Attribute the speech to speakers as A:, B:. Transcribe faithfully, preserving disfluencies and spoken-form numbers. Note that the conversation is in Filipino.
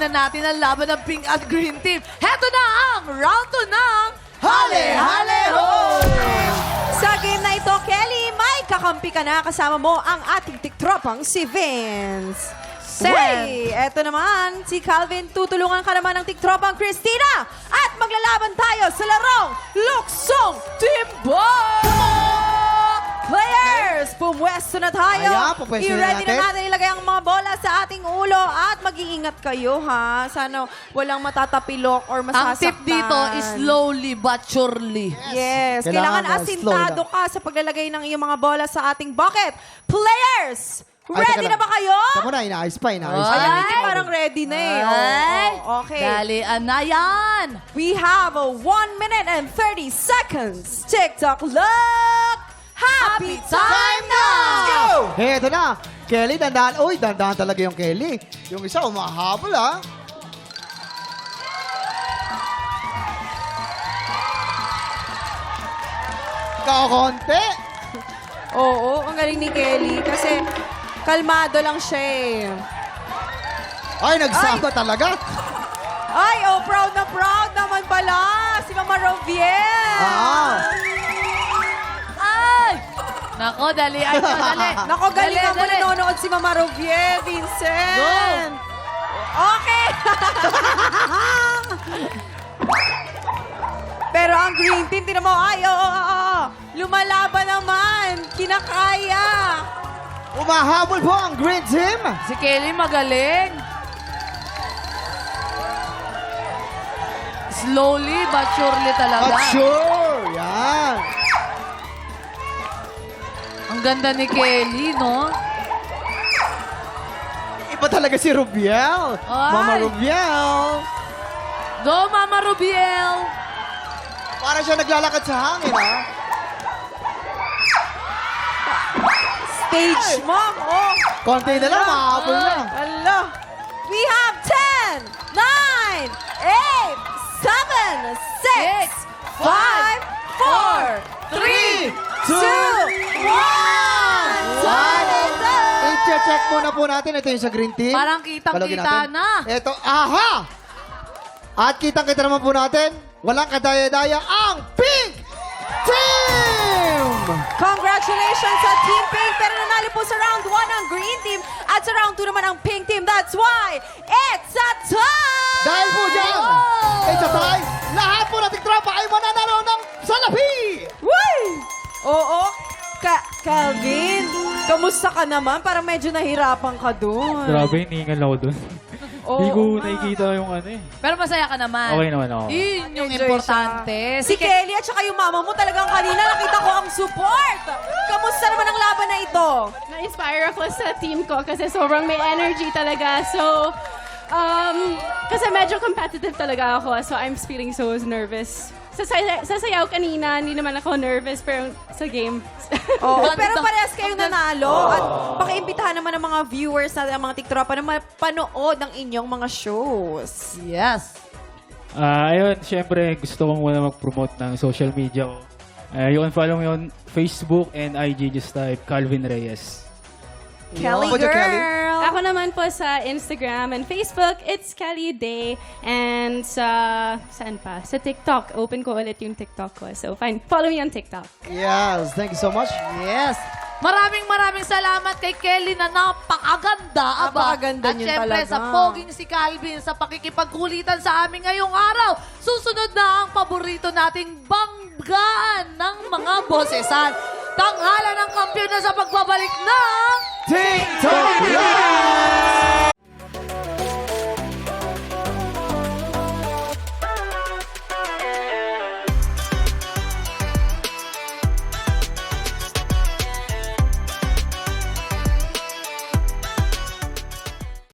A: tingnan natin ang laban ng Pink at Green Team. Heto na ang round two ng Hale Hale Ho!
B: Sa game na ito, Kelly, may kakampi ka na. Kasama mo ang ating tiktropang si Vince.
A: Sen.
B: Uy, eto naman, si Calvin, tutulungan ka naman ng tiktropang Christina. At maglalaban tayo sa larong Luksong Timbang! Players, pumwesto na tayo.
C: Ayan, pumwesto na
B: I-ready na
C: natin.
B: natin ilagay ang mga bola sa ating ulo at mag-iingat kayo, ha? Sana walang matatapilok or
A: Ang
B: masasaktan.
A: tip dito is slowly but surely.
B: Yes,
C: Kailangan
B: kailangan,
C: na,
B: asintado
C: slow
B: ka sa paglalagay ng iyong mga bola sa ating bucket. Players,
C: Ay,
B: ready
C: teka
B: na ba kayo?
C: Tama na, inaayos pa, inaayos
A: Ay.
C: pa.
B: Ayan, hindi parang ready na eh. Oo,
A: Ay,
B: oo, okay.
A: dalian na yan.
B: We have a one minute and thirty seconds. TikTok look! Happy time na!
C: Hey, ito na. Kelly, dandahan. Uy, dandahan talaga yung Kelly. Yung isa, umahabol, ha? Kakonti.
B: Oo, ang galing ni Kelly kasi kalmado lang siya eh.
C: Ay, nagsama talaga.
B: Ay, oh, proud na proud naman pala si Mama Roviel.
C: Ah.
A: Ay! Nako, dalian nyo, dali.
B: Nako, galing
A: Dali,
B: ako
A: dali.
B: nanonood si Mama Rovier, Vincent. Okay. Pero ang green team, tinan mo, ay, oo, oo, oo. Lumalaban naman. Kinakaya.
C: Umahabol po ang Green Team.
A: Si Kelly magaling. Slowly but surely talaga.
C: But sure. Yan.
A: Ang ganda ni Kelly, no?
C: Iba talaga si Rubiel.
A: Ay.
C: Mama Rubiel.
A: Go, Mama Rubiel!
C: Para siya naglalakad sa hangin, ha?
B: Stage mom, oh.
C: Konti na lang, mahabol na.
B: Hello. We have ten, nine, eight, seven, six, five, four, three, two, one.
C: I-check muna po natin. Ito yung sa Green Team.
A: Parang kitang-kita
C: Balogin natin.
A: na.
C: Ito, aha! At kitang-kita naman po natin, walang kadaya-daya ang Pink Team!
B: Congratulations sa Team Pink! Pero nanalo po sa round one ang Green Team at sa round two naman ang Pink Team. That's why it's a tie!
C: Dahil po dyan, it's a tie. Lahat po nating tropa ay mananalo ng salapi!
B: Woo! Oo. Ka Calvin, kamusta ka naman? Parang medyo nahirapan ka doon.
D: Grabe, hinihingal ako dun.
B: Oo
D: Hindi ko
B: nga.
D: nakikita yung ano eh.
A: Pero masaya ka naman.
D: Okay naman ako.
A: Yun yung
B: Enjoy
A: importante.
B: Si Kelly at saka yung mama mo talagang kanina nakita ko ang support. Kamusta naman ang laban na ito?
E: Na-inspire ako sa team ko kasi sobrang may energy talaga. So, um, kasi medyo competitive talaga ako. So, I'm feeling so nervous. Sa, say- sa sayaw kanina, hindi naman ako nervous, pero sa game.
B: Oo,
A: Ganda.
B: pero parehas kayong nanalo. At pakiimbitahan naman ng mga viewers natin, ang mga tiktropa na mapanood ng inyong mga shows.
A: Yes.
D: Ah, ayun, syempre gusto kong muna mag-promote ng social media ko. Uh, you can follow me on Facebook and I G, just type Calvin Reyes.
B: Kelly
C: Ako dyan, Kelly.
B: girl.
E: Ako naman po sa Instagram and Facebook, it's Kelly Day. And sa, saan pa? Sa TikTok. Open ko ulit yung TikTok ko. So, fine. Follow me on TikTok.
C: Yes, thank you so much.
A: Yes. Maraming maraming salamat kay Kelly na napakaganda. Aba.
B: Napakaganda
A: At
B: niyo
A: syempre
B: talaga.
A: sa poging si Calvin sa pakikipagkulitan sa amin ngayong araw. Susunod na ang paborito nating banggaan ng mga bosesan. Tanghalan ng kampiyon na sa pagbabalik ng
C: TikTok Live!